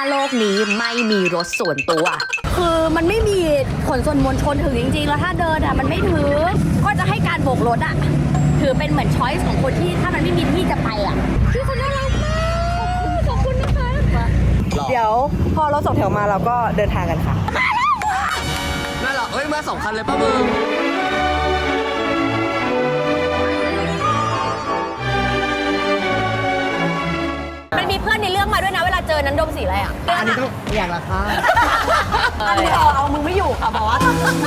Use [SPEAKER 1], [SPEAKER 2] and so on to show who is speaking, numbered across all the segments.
[SPEAKER 1] โลกนี้ไม่มีรถส่วนตัว
[SPEAKER 2] คือมันไม่มีขนส่วนมวลชนถึงจริงๆแล้วถ้าเดินมันไม่ถือก็จะให้การโบกรถถือเป็นเหมือนช้อยส์ของคนที่ถ้ามันไม่มีที่จะไปคือคนน่ารักมากขอบคุณนะคะ
[SPEAKER 3] เดี๋ยวพอรถสองแถวมาเราก็เดินทางกันค่ะ
[SPEAKER 4] นั่นเหรอเฮ้ยมา2 คันเลยป่ะมึง
[SPEAKER 2] มันมีเพื่อนในเรื่องมาด้วยนะเวลาเจอนั้นดมสีอะไร
[SPEAKER 5] อันนี้ต้องอย่างละค่ะ
[SPEAKER 2] อันนี้เอามือไม่อยู่ค่ะบอกว่า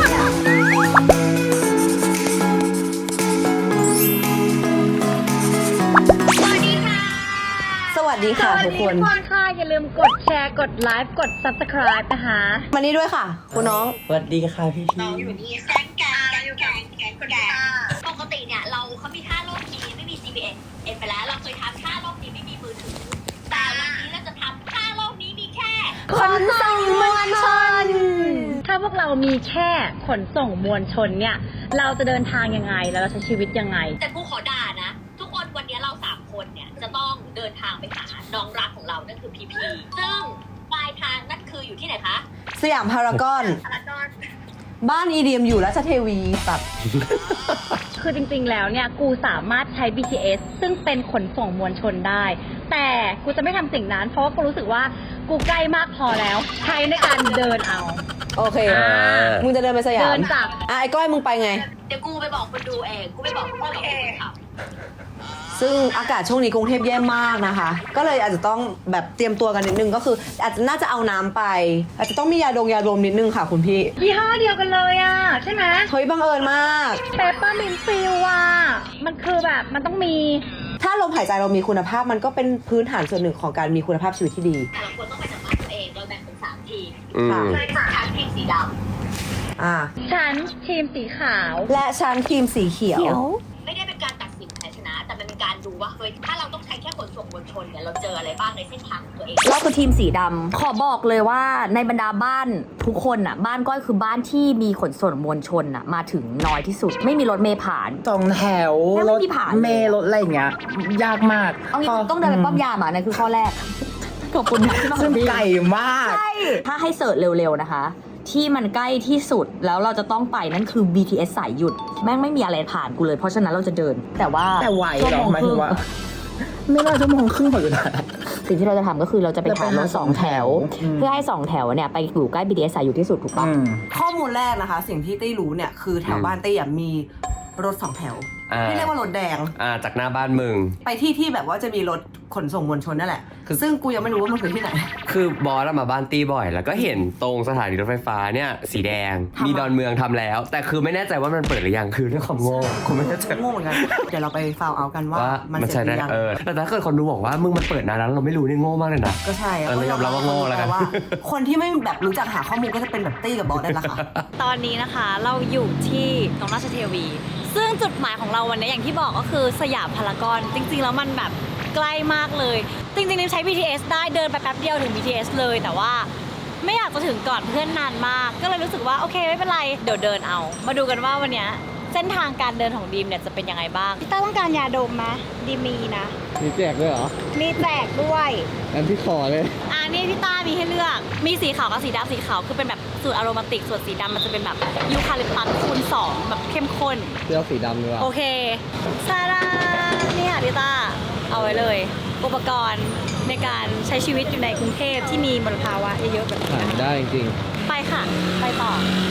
[SPEAKER 3] สวัสดีค่ะทุกคน
[SPEAKER 2] ค่ะอย่าลืมกดแชร์กดไลค์กด subscribe นะคะ
[SPEAKER 3] มานี่ด้วยค่ะคุณน้อง
[SPEAKER 5] สวัสดีค่ะพี่
[SPEAKER 6] น้องอยู่นี่แกงปกติเนี่ยเขามี5 โลกนี้ไม่มี GPS ไปแล้วเราเคยทำ5 โลกนี้ไม่มีมือถือแต่วันนี้เราจะทำ5 โลกนี้มีแค่
[SPEAKER 2] ขนส่งมวลชนถ้าพวกเรามีแค่ขนส่งมวลชนเนี่ยเราจะเดินทางยังไงแล้วเราใช้ชีวิตยังไง
[SPEAKER 6] แต่กูขอด่านะทุกคนวันนี้เรา3 คนเนี่ยจะต้องเดินทางไปหาน้องรักของเรานั่นคือพีพีซึ่งปลายทางนั่นคืออยู่ที่ไหนคะ
[SPEAKER 3] สยามพารากอนบ้านอีเดียมอยู่ราชเทวีตัด
[SPEAKER 2] คือจริงๆแล้วเนี่ยกูสามารถใช้ BTS ซึ่งเป็นขนส่งมวลชนได้แต่กูจะไม่ทำสิ่งนั้นเพราะว่ากูรู้สึกว่ากูใกล้มากพอแล้วใช้ในการเดินเอา
[SPEAKER 3] โอเคมึงจะเดินไปสยาม
[SPEAKER 2] เดินจาก
[SPEAKER 3] ไอ้ก้อยมึงไปไง
[SPEAKER 6] เดี๋ยวกูไปบอกคนดูเองกูไปบอกคนดูเองค่ะ
[SPEAKER 3] ซึ่งอากาศช่วงนี้กรุงเทพแย่มากนะคะก็เลยอาจจะต้องแบบเตรียมตัวกันนิดนึงก็คืออาจจะน่าจะเอาน้ำไปอาจจะต้องมียาดมนิดนึงค่ะคุณพี่
[SPEAKER 2] ยี่ห้อเดียวกันเลยใช่ไหม
[SPEAKER 3] เฮ้ยบังเอิญมาก
[SPEAKER 2] เปปเปอร์มินต์ฟิลมันคือแบบมันต้องมี
[SPEAKER 3] ถ้าลมหายใจเรามีคุณภาพมันก็เป็นพื้นฐานส่วนหนึ่งของการมีคุณภาพชีวิตที่ดี
[SPEAKER 6] แต่เราควรต้องไปจากบ้านตัวเองเราแบ่งเป็น3 ทีมค่ะทีมสีด
[SPEAKER 2] ำฉันทีมสีขาว
[SPEAKER 3] และฉันทีมสีเขียว
[SPEAKER 6] ไม่ได้เป็นการตัดสินแพ้ชนะแต่มันเป็นการดูว่าเฮ้ยถ้าเราต้องใช้แค่ขนส่งมวลชนเนี่ยเราเจออะไรบ้างในเส้นทางของตัวเอง
[SPEAKER 1] เราคือทีมสีดำขอบอกเลยว่าในบรรดาบ้านทุกคนบ้านก้อยคือบ้านที่มีขนส่งมวลชนมาถึงน้อยที่สุดไม่มีรถเมล์ผ่าน
[SPEAKER 5] 2 แถวรถเมล์รถอะไรอย่างเงี้ยยากมาก
[SPEAKER 1] เอางี้ต้องเดินไปป้อมยามนั่นคือข้อแรกขอบคุณมาก
[SPEAKER 5] ซึ่งไกลมาก
[SPEAKER 1] ใช่ถ้าให้เสิร์ชเร็วๆนะคะที่มันใกล้ที่สุดแล้วเราจะต้องไปนั่นคือ BTS สายหยุดแม่งไม่มีอะไรผ่านกูเลยเพราะฉะนั้นเราจะเดินแต่
[SPEAKER 5] ไหวหรอหมายถึงว่าไม่น่าชั่วโมงครึ่งพออยู่นะ
[SPEAKER 1] สิ่งที่เราจะทำก็คือเราจะไปหารถ2 แถวเพื่อให้2 แถวเนี่ยไปอยู่ใกล้ BTS สายหยุดที่สุดถูกปะ
[SPEAKER 3] ข้อมูลแรกนะคะสิ่งที่ตี้รู้เนี่ยคือแถวบ้านตี้มีรถ2 แถวที่เรียกว่ารถแดง
[SPEAKER 4] จากหน้าบ้านมึง
[SPEAKER 3] ไปที่แบบว่าจะมีรถขนส่งมวลชนนั่นแหละซึ่งกูยังไม่รู้ว่ามันคือที่ไหน
[SPEAKER 4] คือบอสมาบ้านตีบ่อยแล้วก็เห็นตรงสถานีรถไฟฟ้าเนี่ยสีแดงมีดอนเมืองทำแล้วแต่คือไม่แน่ใจว่ามันเปิดหรือยังคือด้วยความโง่กูไม่แน่ใจ
[SPEAKER 3] โง่เหมือนกันเดี๋ยวเราไปฟาวเอากันว่ามันเสร็จหรือยัง
[SPEAKER 4] แต่ถ้าเกิดคนดูบอกว่ามึงมันเปิดนานแล้วเราไม่รู้นี่โง่มากเลยนะ
[SPEAKER 3] ก็ใช่
[SPEAKER 4] เรายอมรับว่าโง่แล้วกัน
[SPEAKER 3] คนที่ไม่แบบรู้จักหาข้อมูลก็จะเป็นแบบตี้กับบอสได้ละค่ะ
[SPEAKER 2] ตอนนี้นะคะเราอยู่ที่ตรงราชเทวีซึ่งจุดหมายของเราวันนี้อย่างที่บอกก็คือสยามพารากอนจริงๆแล้วมันแบบใกล้มากเลยจริงๆใช้ BTS ได้เดินไปแป๊บเดียวถึง BTS เลยแต่ว่าไม่อยากจะถึงก่อนเพื่อนนานมากก็เลยรู้สึกว่าโอเคไม่เป็นไรเดี๋ยวเดินเอามาดูกันว่าวันนี้เส้นทางการเดินของดีมเนี่ยจะเป็นยังไงบ้างพี่ต้าต้องการยาดมไหมดีมมีนะ
[SPEAKER 5] มีแจกด้วยเหรอ
[SPEAKER 2] มีแจกด้วย
[SPEAKER 5] งั้นพี่ขอเลย
[SPEAKER 2] นี่พี่ต้ามีให้เลือกมีสีขาวกับสีดำสีขาวคือเป็นแบบสูตรอโรมาติกส่วนสีดำมันจะเป็นแบบยูคาลิปตัสคูณ2แบบเข้มข้น
[SPEAKER 5] เลือกสีดำดีกว่า
[SPEAKER 2] โอเคซาร่าเนี่ยพี่ต้าเอาไว้เลยอุปกรณ์ในการใช้ชีวิตอยู่ในกรุงเทพที่มีมลภาวะเยอะๆแบบนี้
[SPEAKER 5] ได้จริง
[SPEAKER 2] ไปค่ะไปต่อ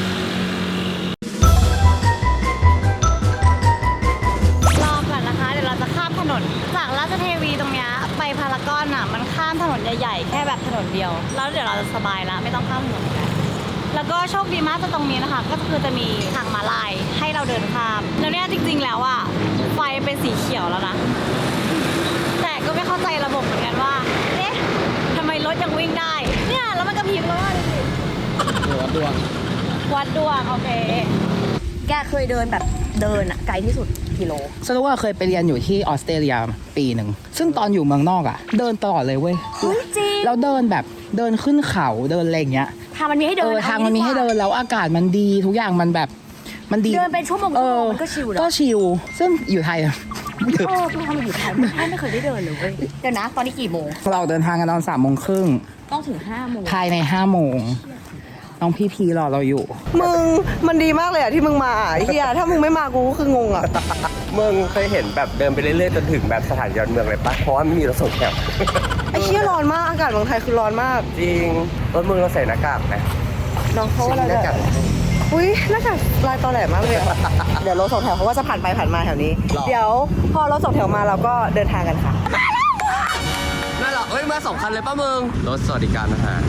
[SPEAKER 2] รอก่อนนะคะเดี๋ยวเราจะข้ามถนนจากราชเทวีตรงนี้ไปพารากอนมันข้ามถนนใหญ่ๆแค่แบบถนนเดียวแล้วเดี๋ยวเราจะสบายแล้วไม่ต้องข้ามถนนแล้วก็โชคดีมากตรงนี้นะคะก็คือจะมีทางม้าลายให้เราเดินข้ามแล้วเนี่ยจริงๆแล้วไฟเป็นสีเขียวแล้วนะแต่ก็ไม่เข้าใจระบบเหมือนกันว่าเอ๊ะทำไมรถยังวิ่งได้เนี่ยแล้วมันกระพริบแล้ว
[SPEAKER 5] วัดดวง
[SPEAKER 2] โอเคแกเคยเดินแบบเดินไกลที่สุดกิโล
[SPEAKER 5] สรุปว่าเคยไปเรียนอยู่ที่ออสเตรเลียปีหนึ่งซึ่งตอนอยู่เมืองนอกเดินตลอดเลยเว้ย
[SPEAKER 2] จริง
[SPEAKER 5] แล้วเดินแบบเดินขึ้นเขาเดินอะไรอย่างเงี้ย
[SPEAKER 2] ทางมันมีให้เดิน
[SPEAKER 5] ทางมันมีให้เดินแล้วอากาศมันดีทุกอย่างมันแบบมันดี
[SPEAKER 2] เดินเป็นชั่วโมงมันก็ชิล
[SPEAKER 5] ก็ชิลซึ่งอยู่ไทย
[SPEAKER 1] เออพี่ทำมาอยู่ไทยไม่เคยได้เดินเลยเว้ยเดี๋ยวนะ ตอนนี้กี่โมง
[SPEAKER 5] เราเดินทางกันตอน3:30
[SPEAKER 1] ต้องถึง5 โมง
[SPEAKER 5] ภายใน5 โมงน้องพี่พีรอเราอยู่
[SPEAKER 3] มึงมันดีมากเลยอะที่มึงมาไอ้เฮียถ้ามึงไม่มากูก็คืองงอะ
[SPEAKER 4] มึงเคยเห็นแบบเดินไปเรื่อยๆจนถึงแบบสถานยอดเมืองเลยปะเพราะว่าไม่มีรถส่งแถว
[SPEAKER 3] ไอ้เฮียร้อนมากอากาศเมืองไทยคือร้อนมาก
[SPEAKER 4] จริงรถมึงเราใส่หน้ากากไหม
[SPEAKER 3] น้องเขาอะไร
[SPEAKER 4] หน้ากาก
[SPEAKER 3] อุ้ยหน้ากากลายตอแหลมากเลยอะ เดี๋ยวรถสองแถวเขาก็จะผ่านไปผ่านมาแถวนี้ เดี๋ยวพอรถสองแถวมาเราก็เดินทางกันค่ะ
[SPEAKER 4] นั่นเหรอเฮ้ยมา2 คันเลยป่ะมึงรถสวัสดิการอาหาร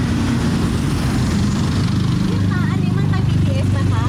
[SPEAKER 2] อันนี้มันไป BTS ไหมคะ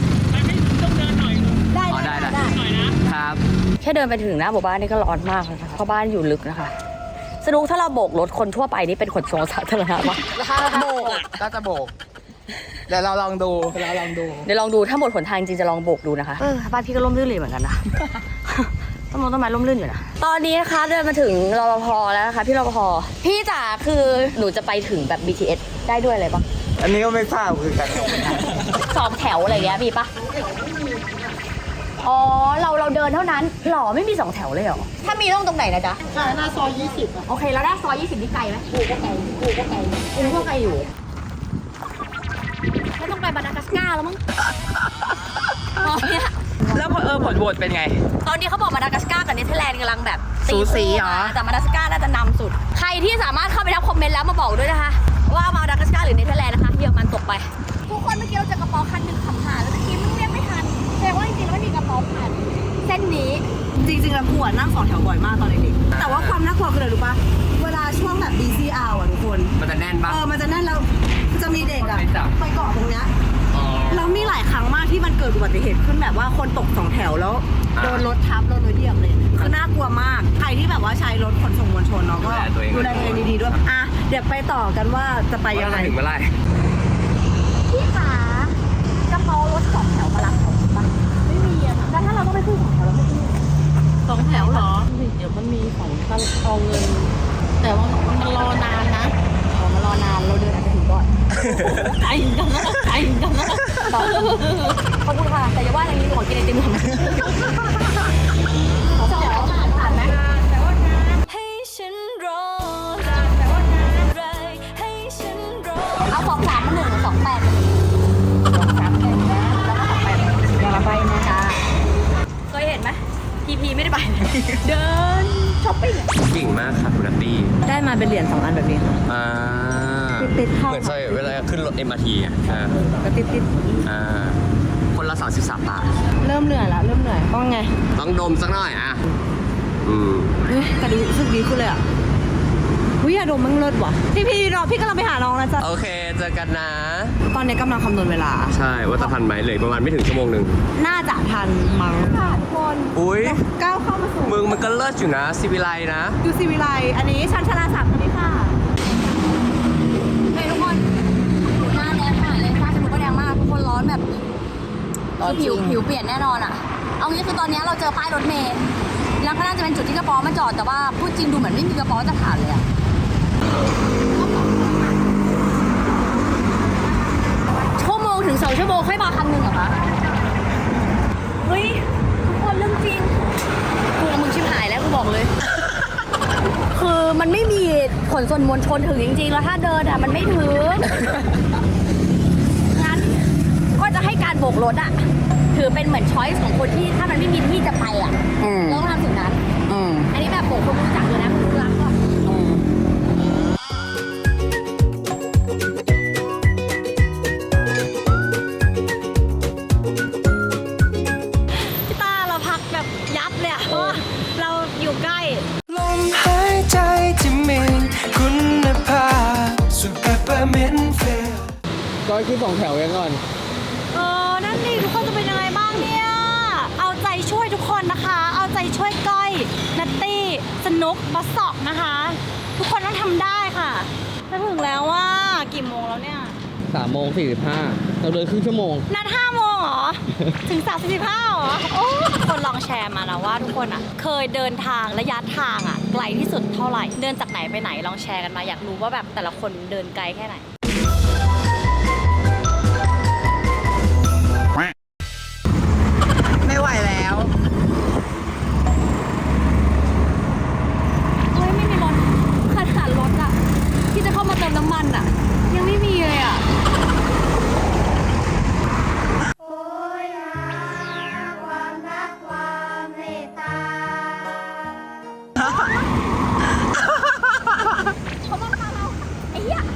[SPEAKER 4] อ๋อได้ครับ
[SPEAKER 1] แค่เดินไปถึงหน้าหมู่บ้านนี่ก็ร้อนมากแล้วนะคะเพราะบ้านอยู่ลึกนะคะสนุกถ้าเราโบกรถคนทั่วไปนี่เป็นขนส่งสาธารณะปะ
[SPEAKER 5] โบกอ่ะก็จะโบก เดี๋ยวเราลองดู
[SPEAKER 1] เดี๋ยวลองดูถ้าหมดหนทางจริงจะลองโบกดูนะคะบ้านพี่ก็ร่มรื่นเลยเหมือนกันนะ ต้นไม้ร่มรื่นอยู่นะตอนนี้นะคะเดินมาถึงรปภแล้วนะคะพี่รปภพี่จ๋าคือหนูจะไปถึงแบบ BTS ได้ด้วยเลยปะ
[SPEAKER 5] อันนี้ก็ไม่ทราบคือกัน
[SPEAKER 1] 2 แถวอะไรเงี้ยมีปะอ๋อเราเดินเท่านั้นหรอไม่มี2 แถวเลยเหรอถ้ามีต้องตรงไหนนะจ๊ะหน้าซอย20โอเคแล้วหน้าซอย20นี่ไกลไหมกูก็ไกลอยู่ไม่ต้องไปมาดากัสการ์แล้วมั้งตอนเนี้ย
[SPEAKER 5] แล้วผลโหวตเป็นไง
[SPEAKER 1] ตอนนี้เขาบอกมาดากัสการ์กับเนเธอร์แลนด์กำลังแบบ
[SPEAKER 5] สูสีเหรอ
[SPEAKER 1] แต่มาดากัสการ์น่าจะนำสุด ใครที่สามารถเข้าไปทับคอมเมนต์แล้วมาบอกด้วยนะคะ ว่ามาดากัสการ์หรือเนเธอร์แลนด์นะคะเยอรมันตกไป ทุกคนเมื่อกี้เราเจอกระเป๋าคันหนึ่งขับผ่านแล้วเมื่อกี้มันเรียกไม่ทันแสดงว่าจริงๆแล้วไม่มีกระเป๋าผ่านเส้นนี้
[SPEAKER 3] จริงๆแล้วกูอะนั่งสองแถวบ่อยมากตอนเด็กๆแต่ว่าความน่ากลัวคืออะไรรู้ปะเวลาช่วงแบบ busy hour อะทุกคน
[SPEAKER 4] มันจะแน่นปะ
[SPEAKER 3] มันจะแน่นแล้วจะมีเด็กอะ
[SPEAKER 4] ไปจับ
[SPEAKER 3] ไปเกาะตรงเนี้ยแล้วมีหลายครั้งมากที่มันเกิดอุบัติเหตุขึ้นแบบว่าคนตกสองแถวแล้วโดนรถทับโดนรถเหยียบเลยคือน่ากลัวมากใครที่แบบว่าใช้รถขนส่งมวลชนเนาะก็ดูแลตัวเองดีๆด้วยอ่ะเดี๋ยวไปต่อกันว่าจะไปยังไง
[SPEAKER 4] ถึงเมื่อไหร่
[SPEAKER 1] พี่ขากระเป๋ารถ2 แถวมารับเขาปะไม่มีอะค่ะแล้วถ้าเราต้องไปขึ้น2 แถวเราไม่ขึ้น
[SPEAKER 2] 2 แถวเหรอ
[SPEAKER 1] เดี๋ยวมันมีของเอาเงิน แต่ว่ามันรอนานนะมารอนานเราเดินอาจจะถึงก่อน
[SPEAKER 2] ไอ้กันนะไอ้กันนะ
[SPEAKER 1] ขอบคุณค่ะ แต่อย่าว่าอย่างนี้ขอกินไอติมก่อนผ่านไหม
[SPEAKER 2] ให้ฉันรอให้ฉันรอ
[SPEAKER 1] เอา2 3 มา1 2 8 2 3 1นะแล้วก็2 8อย่ามาไปนะจ๊ะเคยเห็นไหมพีไม่ได้ไป เดินช้อปปิ้ง
[SPEAKER 4] เก่งมากค่ะคุณนัตตี้
[SPEAKER 3] ได้มาเป็นเหรียญ2 อันแบบนี้ค่ะ
[SPEAKER 4] อ่า
[SPEAKER 3] ติดๆเข้า
[SPEAKER 4] เหมือนใช่เวลาขึ้นรถ MRT อ่ะ
[SPEAKER 3] ก็ติด
[SPEAKER 4] คนละ33 บาท
[SPEAKER 3] ๆเริ่มเหนื่อยละเริ่มเหนื่อยต้องไง
[SPEAKER 4] ต้องดมสักหน่อยอ่ะ
[SPEAKER 3] เฮ้ยแต่รู้สึกดีขึ้นเลยอ่ะวิยาดมมันเลิศว่ะพี่รอพี่กำลังไปหาน้องแล้วจ้ะ
[SPEAKER 4] โอเคเจอกันนะ
[SPEAKER 3] ตอนนี้กำลังคำนวณเวลา
[SPEAKER 4] ใช่ว่าจะทันไหมเลยประมาณไม่ถึงชั่วโมงหนึ่ง
[SPEAKER 3] น่าจะทันมั้งค่ะทุกคน
[SPEAKER 4] อุ้ย
[SPEAKER 3] ก้าวเข้ามาสู่
[SPEAKER 4] มึงมันก็เลิศอยู่นะซิวิไลนะ
[SPEAKER 3] ดูสิวิไลอันนี้ชันชลาศักดิ์คนนี้ค่ะ
[SPEAKER 1] เฮ้ยทุกคนหน้าแดงมากเลยฟ้าจมูกก็แดงมากทุกคนร้อนแบบคือผิวเปลี่ยนแน่นอนอ่ะ เอางี้คือตอนนี้เราเจอป้ายรถเมล์แล้วก็น่าจะเป็นจุดที่กระป๋อมาจอดแต่ว่าพูดจริงดูเหมือนไม่มีกระป๋อจะผ่านเลยอ่ะชั่วโมงถึง2 ชั่วโมงค่อยมาคันหนึ่งเหรอคะเฮ้ยทุกคนเรื่องจริงกูกับมึงชิบหายแล้วกูบอกเลย คือมันไม่มีขนส่งมวลชนถึงจริงๆ แล้วถ้าเดินอ่ะมันไม่ถึง งั้นก็จะให้การโบกรถอ่ะ ถือเป็นเหมือนช้อยส์ของคนที่ถ้ามันไม่มีที่จะไปอ่ะเราต้องทำสิ่งนั้น อันนี้แบบโบกคนรู้จักเลยนะคนรู้รักก็
[SPEAKER 2] พี่ตาเราพักแบบยับเลยอะเพราะว่าเราอยู่ใกล้
[SPEAKER 7] ลมหายใจที่มีคุณภาพสูตรเปปเปอร์มินต์เฟล
[SPEAKER 5] ก้อยขึ้น2 แถวยังก่อน
[SPEAKER 2] นั่นดิทุกคนจะเป็นยังไงบ้างเนี่ย เอาใจช่วยทุกคนนะคะ เอาใจช่วยก้อยนัตตี้สนุกบัสสอกนะคะ ทุกคนต้องทำได้ค่ะจะถึงแล้วว่ากี่โมงแล้วเนี่ย
[SPEAKER 5] 3:45เราเดินครึ่งชั่วโมง
[SPEAKER 2] นัด5 โมงเหรอ ถึง35เหรอ โอ้คนลองแชร์มานะว่าทุกคนอ่ะ เคยเดินทางระยะทางอ่ะ ไกลที่สุดเท่าไหร่ เดินจากไหนไปไหนลองแชร์กันมาอยากรู้ว่าแบบแต่ละคนเดินไกลแค่ไหน
[SPEAKER 5] ไม่ไหวแล้ว
[SPEAKER 1] น้ำมันอ่ะ ยังไม่มีเลยอ่ะ
[SPEAKER 6] ไอ้เหี้ย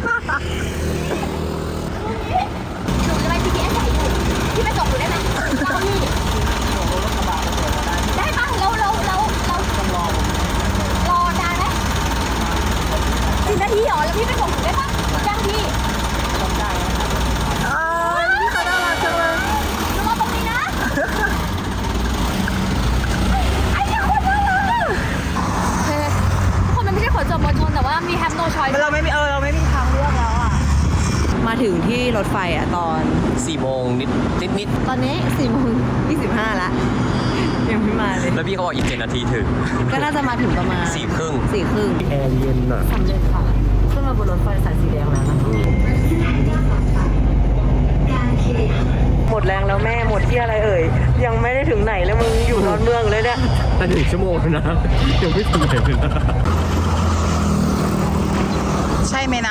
[SPEAKER 6] หนูจะไป GPS ใส่อยู่พี่ไปส่งหนูได้ไหมได้ปะเรารอนานไหม10 นาทีเหรอแล้วพี่ไปส่งหนูได้ปะได้พี่พี่เขาน่ารักจังเลยหนูรอตรงนี้นะไอ้เนี่ยคนน่ารักอะ
[SPEAKER 1] คนมันไม่ใช่ขนส่งมวลชนแต่ว่ามี have no choice
[SPEAKER 3] เราไม่มีทางเลือกแล้วอ่ะ มาถึงที่รถไฟอ่ะตอน
[SPEAKER 4] 4 โมงนิด
[SPEAKER 3] ตอนนี้4:25ละยังไม่มาเลย
[SPEAKER 4] แล้วพี่เขาบอกอีก7 นาทีถึง
[SPEAKER 3] ก็น่าจะมาถึงประมาณ
[SPEAKER 4] 4 ครึ่ง
[SPEAKER 3] 4:30
[SPEAKER 4] แอร์เย็นอ่ะ
[SPEAKER 3] สำเร็จค่ะขึ้นมาบนรถไฟสายสีแดงแล้วนะคะหมดแรงแล้วแม่หมดที่อะไรเอ่ยยังไม่ได้ถึงไหนเลยมึงอยู่นอนเมืองเลยเนี่ย
[SPEAKER 4] ถ้า1 ชั่วโมงนะยังไม่ถึงไหนเลยนะ
[SPEAKER 5] ใช่ไหมนะ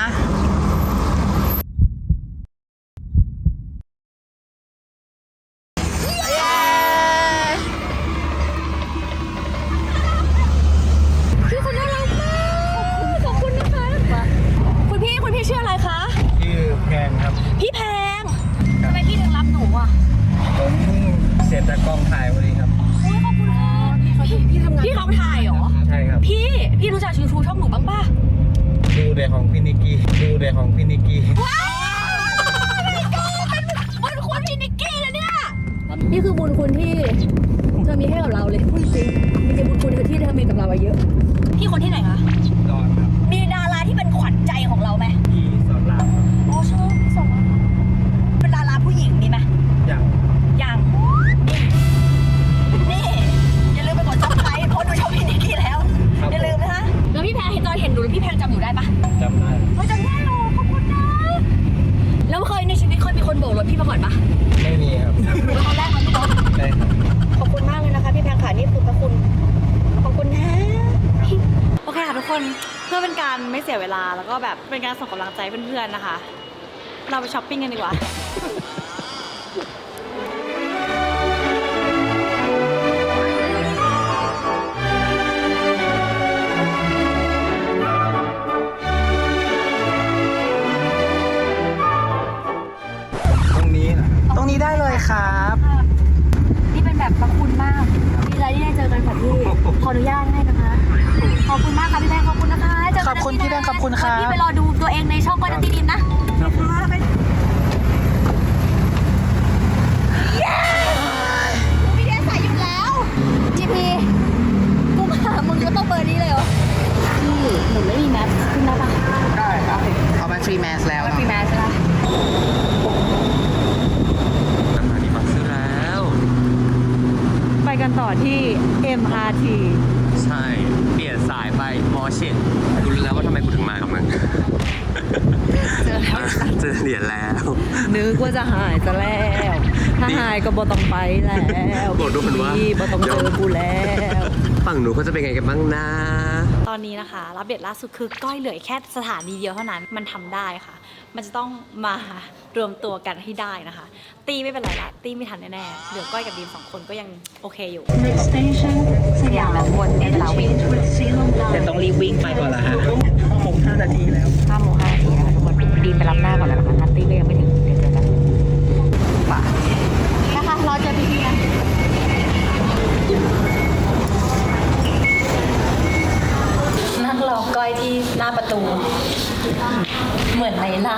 [SPEAKER 1] พี่คนน่ารักมากขอบคุณนะคะ คุณพี่ชื่ออะไรคะ
[SPEAKER 8] ชื่อแพงครับ
[SPEAKER 1] พี่แพงทำไมพี่ถึงรับหนูอ่ะ
[SPEAKER 8] ผมเพิ่งเสร็จจากกองถ่ายพอดีครับ
[SPEAKER 1] โอ้ยขอบคุณค่ะพี่ทำงานพี่เขาถ่ายเหรอ
[SPEAKER 8] ใช่ครับ
[SPEAKER 1] พี่รู้จักชูช่องหนูบ้างป่ะ
[SPEAKER 8] ดูเดของพี่นิกกี้
[SPEAKER 1] ว้าวเป็นบุญคุณพี่นิกกี้นะเนี่ย นี่คือบุญคุณที่เธอมีให้กับเราเลยพูดจริงมีบุญคุณที่เธอมีกับเราเยอะ พี่คนที่ไหนคะ
[SPEAKER 8] ดอนครับ
[SPEAKER 1] มีดาราที่เป็นขวัญใจของเราไหม
[SPEAKER 8] พี่สอนรามครับ
[SPEAKER 1] อ๋อชอบพี่สองเป็นดาราผู้หญิงมีไหม
[SPEAKER 8] อย่าง
[SPEAKER 1] ยังนี่อย่าลืมไปกดซับสไครต์เพราะดูช่องพี่นิกกี้แล้ว อย่าลืมนะคะแล้วพี่แพงเห็นตอนเห็นหนูแล้วพี่แพงจำหนูได้ปะ
[SPEAKER 8] จำได้
[SPEAKER 1] เขาจำได้เหรอขอบคุณนะแล้วเคยในชีวิตเคยมีคนโบกรถพี่มาก่อนปะ
[SPEAKER 8] ไม่มีครับ
[SPEAKER 1] หนูเป็นคนแรกเลยพี่เนาะ
[SPEAKER 8] ใช่ครับ
[SPEAKER 1] ขอบคุณมากเลยนะคะพี่แพงค่ะนี่คือพระคุณขอบคุณนะ
[SPEAKER 2] โอเคค่ะทุกคนเพื่อเป็นการไม่เสียเวลาแล้วก็แบบเป็นการส่งกำลังใจเพื่อนๆนะคะ เราไปช้อปปิ้งกันดีกว่า
[SPEAKER 8] ตรงนี้นะ
[SPEAKER 5] ตรงนี้ได้เลยครับ
[SPEAKER 1] นี่เป็นแบบพระคุณมากดีใจที่ได้เจอกันค่ะพี่ขออนุญาตให้นะคะขอบคุณมากค่ะพี่แพงขอบคุณนะคะเจอกันนะ
[SPEAKER 5] ขอบคุณพี่แพงขอบคุณครับ
[SPEAKER 1] พี่ไปรอดูตัวเองในช่องก้อยนัตตี้ดินนะพี่แดนใส่อยู่แล้ว GP กูมาหามึงก็ต้องเบอร์นี้เลยเหรอพี่หนูไม่มีแมสขึ้นได้ปะ
[SPEAKER 5] ได้ครับเอามาฟรีแมสแล้ว
[SPEAKER 1] ฟรีแมสใช่ปะ
[SPEAKER 4] น้ำหนักดีมากซื้อแล้ว
[SPEAKER 2] ไปกันต่อที่ MRT
[SPEAKER 4] ใช่ เปลี่ยนสายไปมอเช่นกูรู้แล้วว่าทำไมกูถึงมากับมึง เจอเหรียญแล้ว
[SPEAKER 3] นึกว่าจะหายจะแล้ว ถ้าหายก็บ่ต้องไปแล้ว
[SPEAKER 4] บอกด้วยว่า
[SPEAKER 3] พี่บ่ต้องเจอกูแล้ว
[SPEAKER 4] ฝั่งหนูเขาจะเป็นไงกันบ้างนะ
[SPEAKER 2] ตอนนี้นะคะรับเดตล่าสุดคือก้อยเหลือแค่สถานีเดียวเท่านั้นมันทำได้ค่ะ มันจะต้องมารวมตัวกันให้ได้นะคะ ตีไม่เป็นไรละตีไม่ทันแน่ๆเหลือก้อยกับดีม2 คนก็ยังโอเคอยู่
[SPEAKER 1] สยามแบบวนเอ็นลาวิน
[SPEAKER 5] แต่ต้องรีบวิ่งไปก่อนละฮะ5 นาทีแล้ว
[SPEAKER 1] 5 โมง 5 นาทีนะคะทุกคนดีมไปรับหน้าก่อนแล้วนะคะนัตตี้ก็ยังไม่ถึงเดี๋ยวเจอกันป่ะนะคะรอเจอพี่ๆกันนั่งรอก้อยที่หน้าประตู เหมือนในลา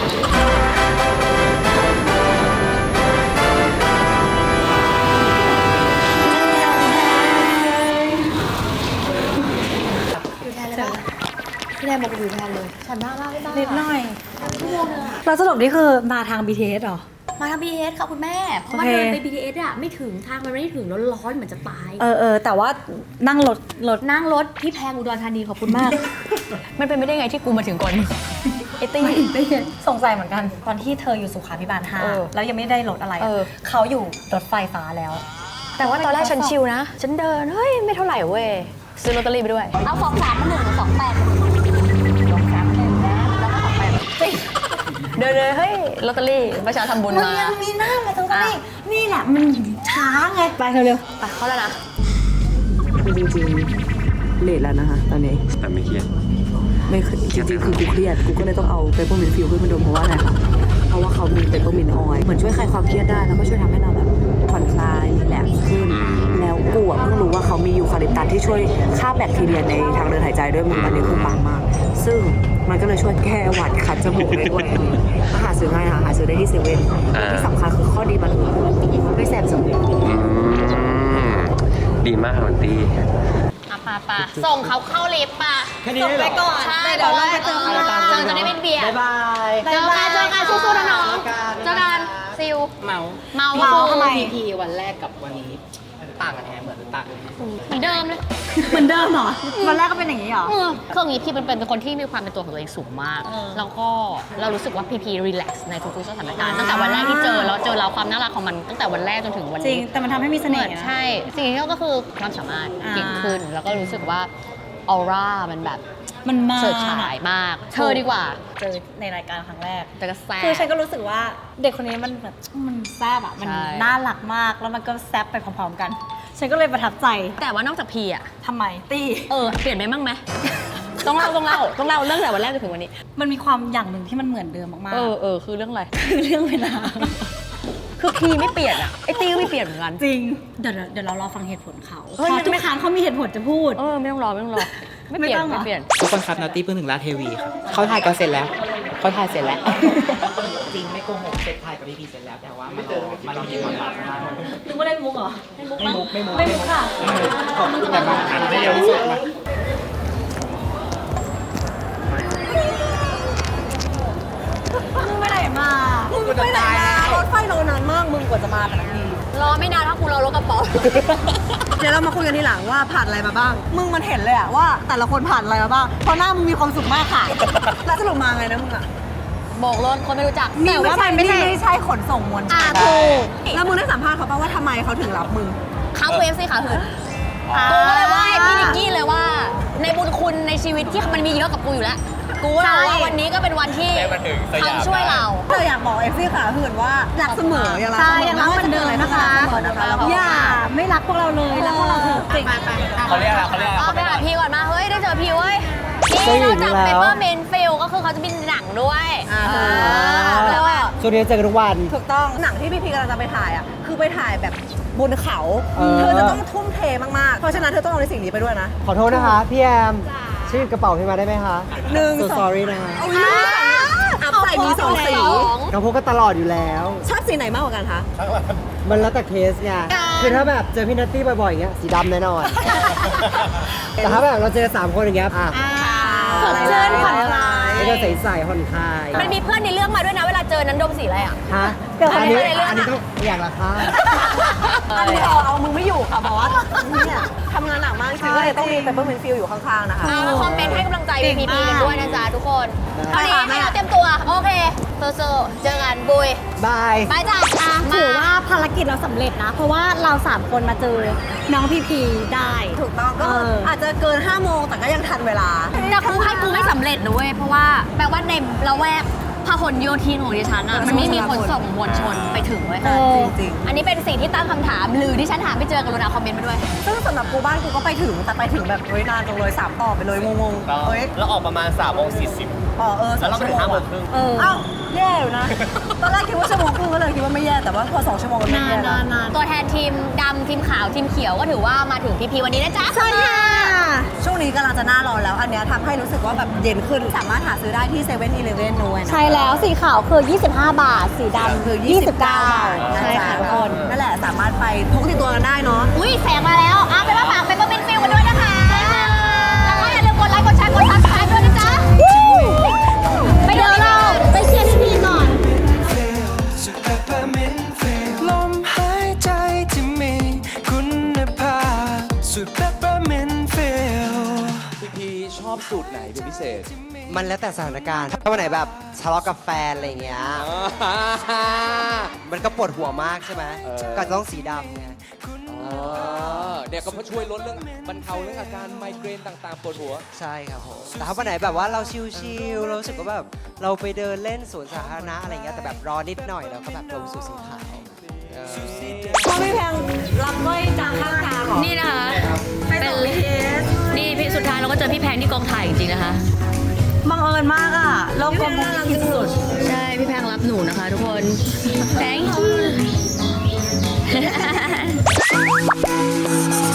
[SPEAKER 1] พี่แดนบอกอยู่แทนเลยฉันน่ารักมาก
[SPEAKER 2] นิดหน่อยเราสรุปนี่คือมาทาง BTS เหรอ
[SPEAKER 1] มาทาง BTS ค่ะคุณแม่ เพราะว่า
[SPEAKER 2] โอเค
[SPEAKER 1] เดินไป BTS อะไม่ถึงทางมันไม่ได้ถึงแล้วร้อนเหมือนจะตาย
[SPEAKER 2] แต่ว่านั่งรถ
[SPEAKER 1] นั่งรถพี่แพงอุดรธานีขอบคุณมาก มันเป็นไม่ได้ไงที่กูมาถึงก่อนมึงไอ้ตี้สงสัยเหมือนกัน
[SPEAKER 2] ตอนที่เธออยู่สุขาภิบาล
[SPEAKER 1] เออ
[SPEAKER 2] 5แล้วยังไม่ได้รถอะไรอะ
[SPEAKER 1] เออ
[SPEAKER 2] เขาอยู่รถไฟฟ้าแล้ว
[SPEAKER 1] แต่ว่าตอนแรกฉันชิลนะ ฉันเดิน เฮ้ย ไม่เท่าไหร่เว้ย ซื้อลอตเตอรี่ไปด้วย เอา 2-3 มา 1 2-8 2-3 1นะแล้วก็2-8 เดินเฮ้ยลอตเตอรี่ประชาทำบุญ
[SPEAKER 3] มัน
[SPEAKER 1] มา
[SPEAKER 3] ยังมีหน้ามาตรงนี้นี่แหละมันช้าไงไปเร็ว
[SPEAKER 1] ไปเข้าแล้วนะ
[SPEAKER 3] จริงๆเลทแล้วนะคะตอนนี้
[SPEAKER 4] แต่ไม่เครียด
[SPEAKER 3] ไม่จริงๆคือกูเครียดกูก็เลยต้องเอาเปเปอร์มินต์ฟิลขึ้นมาดมเพราะว่าอะไรคะเพราะว่าเขามีเปเปอร์มินต์ออยล์เหมือนช่วยคลายความเครียดได้แล้วก็ช่วยทำให้เราแบบผ่อนคลายรีแลกซ์ขึ้นแล้วกูอ่ะเพิ่งรู้ว่าเขามียูคาลิปตัสที่ช่วยฆ่าแบคทีเรียในทางเดินหายใจด้วยมึงอันนี้คือปังมากซึ่งมันก็เลยช่วยแก้หวัดคัดจมูกได้ด้วยก็หาซื้อง่ายค่ะหาซื้อได้ที่เซเว่นที่สำคัญคือข้อดีมันไม่แสบจมูก
[SPEAKER 4] ดีมากค่ะมันตี
[SPEAKER 1] ป่ะส่งเขาเข้าลิฟต์ป่ะ
[SPEAKER 8] แค่นี้เลยเหรอ
[SPEAKER 1] ก่อนใช่เดี๋ยวเราไปเจอกันจะได้ไม่เบียด
[SPEAKER 8] บ๊ายบาย
[SPEAKER 1] เจอกันสู้ๆนะน้องเจอกันซิล
[SPEAKER 5] เมา
[SPEAKER 1] เมา
[SPEAKER 3] ทำไม
[SPEAKER 5] พีวันแรกกับวันนี้ต่างกันแท้เหมือนต่างกัน
[SPEAKER 1] เหมือนเดิมเลย
[SPEAKER 3] เหมือนเดิมเหรอวันแรกก็เป็นอย่างนี้เหรอ
[SPEAKER 1] คืออย่างนี้พี่เป็นคนที่มีความเป็นตัวของตัวเองสูงมาก แล้วก็เรารู้สึกว่าพีรีแลกซ์ในทุกๆสถานการณ์ตั้งแต่วันแรกที่เจอแล้วเจอเราความน่ารักของมันตั้งแต่วันแรกจนถึงวัน
[SPEAKER 3] จริ
[SPEAKER 1] นี้
[SPEAKER 3] งแต่มันทำให้มีเสน่ห์
[SPEAKER 1] ใช่สิ่งที่เราก็คือความสามารถเก่งขึ้น แล้วก็รู้สึกว่าออร่ามันแบบ
[SPEAKER 3] มันมา
[SPEAKER 1] เฉิดฉายมาก เธอดีกว่า
[SPEAKER 3] เจอในรายการครั้งแรก
[SPEAKER 1] แต่ก็แซ่บ
[SPEAKER 3] คือฉันก็รู้สึกว่าเด็กคนนี้มันแบบมันแซ่บอ่ะมัน
[SPEAKER 1] ใช่
[SPEAKER 3] น่ารักมากแล้วมันก็แซ่บไปพร้อมๆกัน ฉันก็เลยประทับใจ
[SPEAKER 1] แต่ว่านอกจากพีอ่ะ
[SPEAKER 3] ทำไมตี
[SPEAKER 1] เปลี่ยนไปบ้างไหม ต้องเล่าเรื่องแต่วันแรกจนถึงวันนี้
[SPEAKER 3] มันมีความอย่างหนึ่งที่มันเหมือนเดิมมาก
[SPEAKER 1] คือเรื่องอะไร
[SPEAKER 3] ๆคือเรื่องเวลา
[SPEAKER 1] คือพีไม่เปลี่ยนอ่ะไอตีก็ไม่เปลี่ยนเหมือนกัน
[SPEAKER 3] จริงเดี๋ยวเรารอฟังเหตุผลเขา
[SPEAKER 1] เฮ้ย
[SPEAKER 3] เพ
[SPEAKER 1] ไม่
[SPEAKER 3] ราะทุกครั้งเขามีเหตุผลจะพูด
[SPEAKER 1] ไม่ต้องรอไม่เปลี่ยน
[SPEAKER 3] ไม่ต้องเหรอ
[SPEAKER 1] ไม่เปลี่ยน
[SPEAKER 5] ทุกคนครับนอตตี้เพิ่งถึงราชเทวีครับเขาถ่ายกันเสร็จแล้วเขาถ่ายเสร็จแล้ว จริงไม่โกหกเสร็จถ่ายกับพี่พีเสร็จแล้วแต่ว่ามาลองยิงมัน
[SPEAKER 3] นึกว่าเล่นมุกเหรอ
[SPEAKER 5] ไม่มุก
[SPEAKER 3] ไม่มุกค่ะ
[SPEAKER 5] ขอบคุณแบบอ่านได้เร็วที่สุดมา
[SPEAKER 3] มึงไปไหนมา รถไฟรอนานมากมึงกว่าจะมาแต่ละที
[SPEAKER 1] รอไม่นานถ้ากูรอรถกระป๋อง
[SPEAKER 3] เดี๋ยวเรามาคุยกันทีหลังว่าผ่านอะไรมาบ้าง มึงมันเห็นเลยอะว่าแต่ละคนผ่านอะไรมาบ้าง เพราะหน้ามึงมีความสุขมากค่ะ แล้วสรุปมาไงนะมึงอะ
[SPEAKER 1] บอกรถคนไม่รู้จัก
[SPEAKER 3] แต่ว่ามันไม่ใช่ขนส่งมวลชน
[SPEAKER 1] ถูก
[SPEAKER 3] แล้วมึงได้สัมภาษณ์เขาป่ะว่าทำไมเขาถึงรับมึง
[SPEAKER 1] เขาเวฟสิขาหืนกูก็เลยว่าพี่นิกกี้เลยว่า ในบุญคุณในชีวิตที่มันมีเยอะกับกูอยู่แล้ว กูก็เลยว่าวันนี้ก็เป็นวันที่เขาช่วยเรา
[SPEAKER 3] เราอยากบอกเอฟซี่ขาหื่นว่ารักเสมอยังรัก
[SPEAKER 1] ใช่ยังรักเหมือนเดิมนะคะ
[SPEAKER 3] อย่าไม่รักพวกเราเลยรักพวกเราเถอะจริง
[SPEAKER 8] เขาเรียกอะไรเขาเรียกอะไร
[SPEAKER 1] เอาไปหาพี่ก่อนมา เฮ้ย ได้เจอพี่เว้ยพี่นอกจากเปเปอร์เมนฟิลก็คือเขาจะมีหนังด้วยแล้วอ่ะ
[SPEAKER 5] ช่วงนี้เจอกันทุกวัน
[SPEAKER 3] ถูกต้องหนังที่พี่พีกำลังจะไปถ่ายอ่ะคือไปถ่ายแบบบนเขา เธอจะต้องทุ่มเทมากๆ เพราะฉะนั้นเธอต้องเอาในสิ่งนี้ไปด้วยนะ
[SPEAKER 5] ขอโทษนะคะ พี่แอมชื่อกระเป๋าพี่มาได้ไหมคะ so
[SPEAKER 3] 1 2
[SPEAKER 5] sorry นะคะ
[SPEAKER 3] เอาอีกอัพใส่มี2 สี
[SPEAKER 5] เราพกกันตลอดอยู่แล้ว
[SPEAKER 3] ชอบสีไหนมากกว่ากันคะ
[SPEAKER 5] มันแล้วแต่เคสไงคือถ้าแบบเจอพี่นัตตี้บ่อยๆอย่างเงี้ยสีดำแน่นอน แต่ถ้าแบบเราเจอ3คนอย่างเงี้ยอ่ะ
[SPEAKER 3] สดชื่นผ่อนคลาย
[SPEAKER 5] ก็จะใสๆผ่อนคลาย
[SPEAKER 1] มันมีเพื่อนในเรื่องมาด้วยนะ เวลาเจอนั้นดมสีอะไรอ่ะ
[SPEAKER 5] ฮะ
[SPEAKER 3] เดี๋ยว
[SPEAKER 5] อันนี้
[SPEAKER 1] ในเรื่อง
[SPEAKER 5] อันนี้ต้องอย่างละค่ะ
[SPEAKER 3] อันนี้เอามึงไม่อยู่ค่ะบอสเนี่ยทำงานหนักมากจริงๆก็เลยต้องมีเปเปอร์เมนฟิลอยู่ข้างๆนะคะ
[SPEAKER 1] มาคอมเมนต์ให้กำลังใจพีพีกันด้วยนะจ๊ะทุกคน
[SPEAKER 3] ได้
[SPEAKER 1] ตอนนี้ให้เราเตรียมตัว โอเคโซเจอกันบุย
[SPEAKER 5] บาย
[SPEAKER 1] บายจ้ะ
[SPEAKER 3] ถือว่าภารกิจเราสำเร็จนะ เพราะว่าเรา 3 คนมาเจอน้องพีพีได้ ถูกต้องก็อาจจะเกิน 5 โมงแต่ก็ยังทันเวลา
[SPEAKER 1] แต่กูให้กูไม่สำเร็จนะเว้ยเพราะว่าแปลว่าในละแวกพหลโยธินของดิฉันอ่ะมันไม่มีขนส่งมวลชนไปถึงเว้ย
[SPEAKER 3] จริง
[SPEAKER 1] อันนี้เป็นสิ่งที่ตั้งคำถามหรือที่ฉันหาไม่เจอกรุณาคอมเมนต์มาด้วย
[SPEAKER 3] ๆซึ่งสำหรับกูบ้านกูก็ไปถึงแต่ไปถึงแบบนานจังเลย3 ต่อไปเลยงงๆเฮ้ย
[SPEAKER 8] แล้วออกประมาณ3:40 แล้วเราไปถึง5 โมงครึ่ง
[SPEAKER 3] อ้าวแย่อยู่นะ ตอนแรกคิดว่าชั่วโมงครึ่งก็เลยคิดว่าไม่แย่แต่ว่าพอ2 ชั่วโมงก็ไม่แย่แล้ว
[SPEAKER 1] ตัวแทนทีมดำทีมขาวทีมเขียวก็ถือว่ามาถึงพีพีวันนี้นะจ๊ะ
[SPEAKER 3] ใช่ค่ะช่วงนี้กำลังจะหน้าร้อนแล้วอันเนี้ยทำให้รู้สึกว่าแบบเย็นขึ้นสามารถหาซื้อได้ที่7-11ด้วยนะ
[SPEAKER 2] ใช่แล้วสีขาวคือ 25 บาท สีดำ
[SPEAKER 3] คือ29
[SPEAKER 2] ใช่ค่ะทุกคน
[SPEAKER 3] นั่นแหละสามารถไปพกติดตัวกันได้เนาะ
[SPEAKER 1] อุ้ยแสงมาแล้วไปว่าฝากเป็นเปอร์เมนต์ฟิลกันด้วยนะคะ แล้วก็อย่าลืมกดไลค์กดแชร์กดซับสไครต์ด้วยนะจ๊ะไปเดี๋ยวเราไปเชียร์ทีมก่อน
[SPEAKER 7] สุด peppermint feel ลมหายใจที่มีคุณภาพสุด peppermint feel
[SPEAKER 9] พี่ชอบสูตรไหนเป็นพิเศษ
[SPEAKER 5] มันแล้วแต่สถานการณ์ ถ้าวันไหนแบบทะเลาะกับแฟนอะไรอย่างเงี้ย มันก็ปวดหัวมากใช่ไหม ก็ต้องสีดำไง
[SPEAKER 9] เเนี่ยก็ช่วยลดเรื่องบรรเทาเรื่องอาการไมเกรนต่างๆปวดหัว
[SPEAKER 10] ใช่ครับผมแต่ถ้าวันไหนแบบว่าเราชิลๆเรารู้สึกว่าแบบเราไปเดินเล่นสวนสาธารณะอะไรเงี้ยแต่แบบรอนิดหน่อยเราก็แบบลงสู่สีขาว
[SPEAKER 3] พอพี่แพงรับก้อยจากข้างทางเหรอ
[SPEAKER 1] นี่นะคะ
[SPEAKER 3] ไปต่อเคส
[SPEAKER 1] นี่พี่สุดท้ายเราก็เจอพี่แพงที่กองถ่ายจริงๆนะคะ
[SPEAKER 3] บังเอิญมากอ่ะโลกกลมที่สุด
[SPEAKER 1] ใช่พี่แพงรับหนูนะคะทุกคน thank you